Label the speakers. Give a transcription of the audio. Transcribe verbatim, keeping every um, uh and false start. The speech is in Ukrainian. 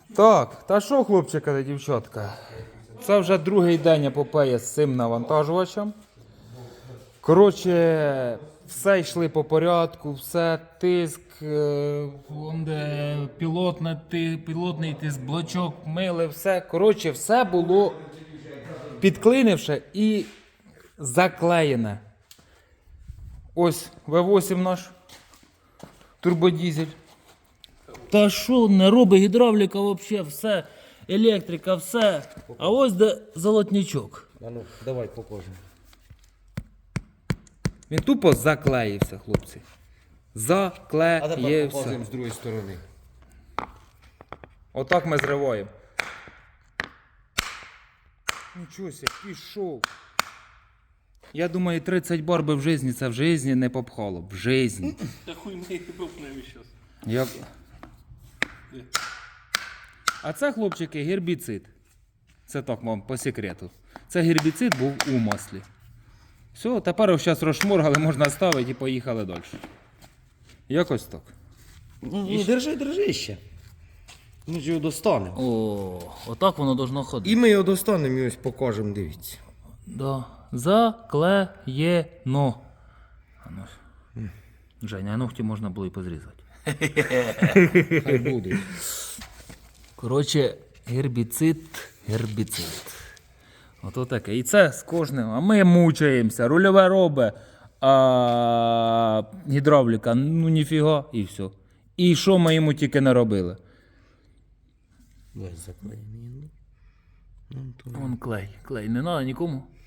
Speaker 1: Так, та що, хлопчика та дівчатка? Це вже другий день епопея з цим навантажувачем. Коротше, все йшли по порядку, все, тиск, е, вон де пілотна, ти, пілотний тиск, блочок, мили, все. Коротше, все було підклинивше і заклеєне. Ось ве вісім наш турбодізель. Та що не робить гідравліка взагалі, все, електрика, все. А ось де золотничок.
Speaker 2: А ну, давай покажемо.
Speaker 1: Він тупо заклеївся, хлопці.
Speaker 2: А тепер
Speaker 1: Заклеївся.
Speaker 2: показуємо з другої сторони.
Speaker 1: Отак ми зриваємо. Нічого ся, пішов. Я думаю, тридцять бар би в житті це в житті не попхало. В житті.
Speaker 3: Да хуй мы их попнем сейчас.
Speaker 1: Я... А це, хлопчики, гербіцид. Це так вам по секрету. Це гербіцид був у маслі. Все, тепер зараз розшморгали, можна ставити і поїхали далі. Якось так.
Speaker 2: Ні, ні, держи, держи ще. Ми ж його достанемо.
Speaker 1: О, отак воно должно ходити.
Speaker 2: І ми його достанемо і ось покажемо, дивіться.
Speaker 1: Да. Заклеєно. А ну. Женя, а ногті можна було і позрізати.
Speaker 2: Хай буде.
Speaker 1: Коротше, гербіцид, гербіцид. Ото таке. І це з кожним. А ми мучаємося. Рульове робить, а гідравліка, ну ніфіга, і все. І що ми йому тільки не робили?
Speaker 2: Весь заклеєний.
Speaker 1: Вон клей. Клей не треба нікому.